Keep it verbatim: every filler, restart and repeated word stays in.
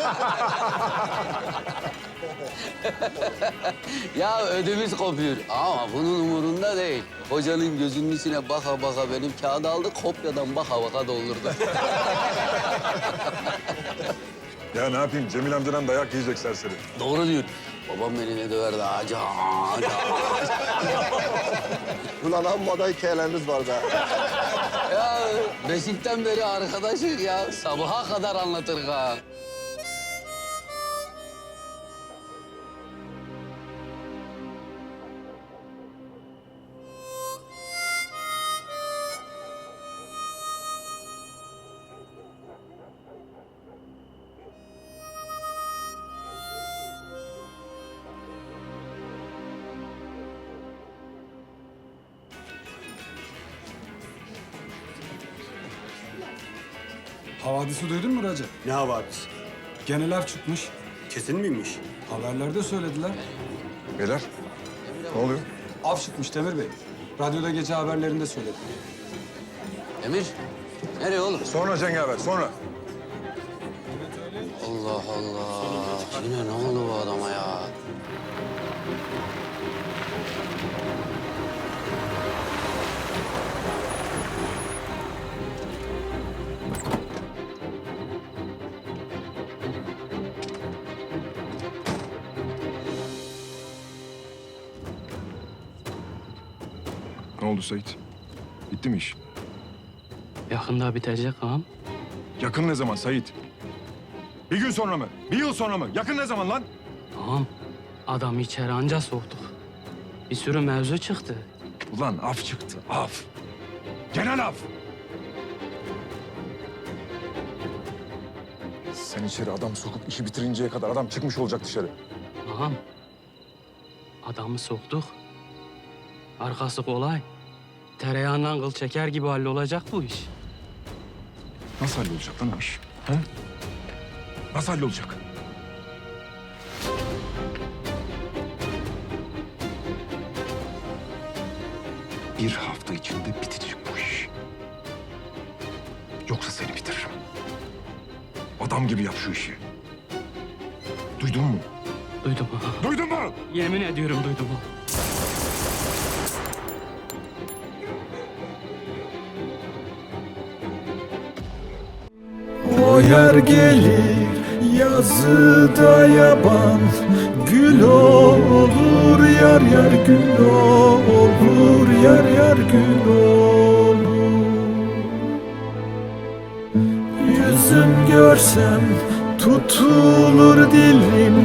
Ya ödümüz kopuyor ama bunun umurunda değil. Hocanın gözünün içine baka baka benim kağıdı aldı, kopyadan baka baka doldurdu. Ya ne yapayım? Cemil amcadan dayak yiyecek serseri. Doğru diyor. Babam beni ne döverdi ağaca, ağaca. Ulan amma da hikayeleriniz var be. Ya beşikten beri arkadaşız ya. Sabaha kadar anlatır ha. Havadisi duydun mu Recep? Ne havadis? Geneler çıkmış. Kesin miymiş? Haberlerde söylediler. Beyler, ne oluyor? Av çıkmış Demir Bey. Radyoda gece haberlerinde söyledi. Emir, nereye oğlum? Sonra Cengaver, sonra. Allah Allah. Yine ne oldu bu adama ya? Ne oldu Sait? Bitti mi iş? Yakında bitecek ağam. Yakın ne zaman Sait? Bir gün sonra mı? Bir yıl sonra mı? Yakın ne zaman lan? Ağam, adamı içeri anca soktuk. Bir sürü mevzu çıktı. Ulan af çıktı, af. Genel af. Sen içeri adam sokup işi bitirinceye kadar adam çıkmış olacak dışarı. Ağam, adamı soktuk. Arkası kolay. Tereyağından kıl çeker gibi hallolacak bu iş. Nasıl hallolacak lan o iş? Ha? Nasıl hallolacak? Bir hafta içinde bitecek bu iş. Yoksa seni bitiririm. Adam gibi yap şu işi. Duydun mu? Duydum ağam. Duydun mu? Yemin ediyorum duydum ağam. O yer gelir yazıda yaban, gül olur yar yar gül olur yar yar gül olur. Yüzüm görsem tutulur dilim,